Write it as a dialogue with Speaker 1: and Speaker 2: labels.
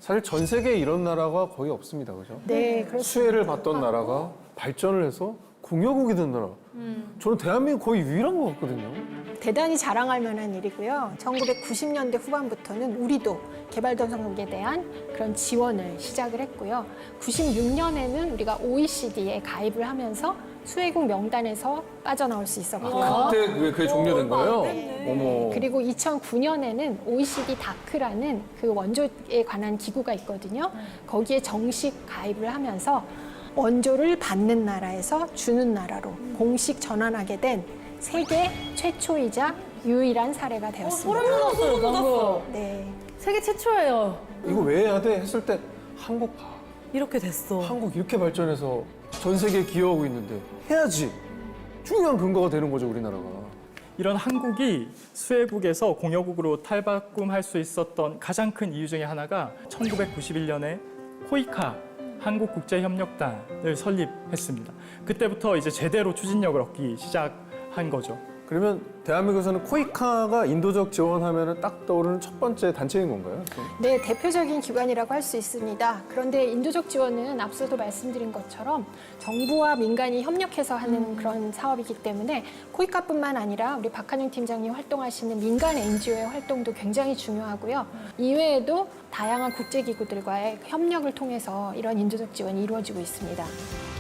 Speaker 1: 사실 전 세계에 이런 나라가 거의 없습니다. 그죠?
Speaker 2: 네, 그렇습니다.
Speaker 1: 수혜를 받던 나라가 발전을 해서 공화국이 된 나라. 저는 대한민국 거의 유일한 것 같거든요.
Speaker 2: 대단히 자랑할 만한 일이고요. 1990년대 후반부터는 우리도 개발도상국에 대한 그런 지원을 시작을 했고요. 96년에는 우리가 OECD에 가입을 하면서 수혜국 명단에서 빠져나올 수 있었고요.
Speaker 1: 그때 왜 그게 종료된 거예요? 어머.
Speaker 2: 그리고 2009년에는 OECD 다크라는 그 원조에 관한 기구가 있거든요. 거기에 정식 가입을 하면서 원조를 받는 나라에서 주는 나라로 공식 전환하게 된 세계 최초이자 유일한 사례가 되었습니다.
Speaker 3: 소름 돋았어요, 방금.
Speaker 2: 네.
Speaker 3: 세계 최초예요.
Speaker 1: 이거 왜 해야 돼? 했을 때 한국 봐.
Speaker 3: 이렇게 됐어.
Speaker 1: 한국 이렇게 발전해서 전 세계에 기여하고 있는데 해야지. 중요한 근거가 되는 거죠, 우리나라가.
Speaker 4: 이런 한국이 수혜국에서 공여국으로 탈바꿈할 수 있었던 가장 큰 이유 중에 하나가 1991년에 코이카 한국국제협력단을 설립했습니다. 그때부터 이제 제대로 추진력을 얻기 시작한 거죠.
Speaker 1: 그러면 대한민국에서는 코이카가 인도적 지원하면 딱 떠오르는 첫 번째 단체인 건가요?
Speaker 2: 네, 대표적인 기관이라고 할 수 있습니다. 그런데 인도적 지원은 앞서도 말씀드린 것처럼 정부와 민간이 협력해서 하는 그런 사업이기 때문에 코이카뿐만 아니라 우리 박한영 팀장님 활동하시는 민간 NGO의 활동도 굉장히 중요하고요. 이외에도 다양한 국제기구들과의 협력을 통해서 이런 인도적 지원이 이루어지고 있습니다.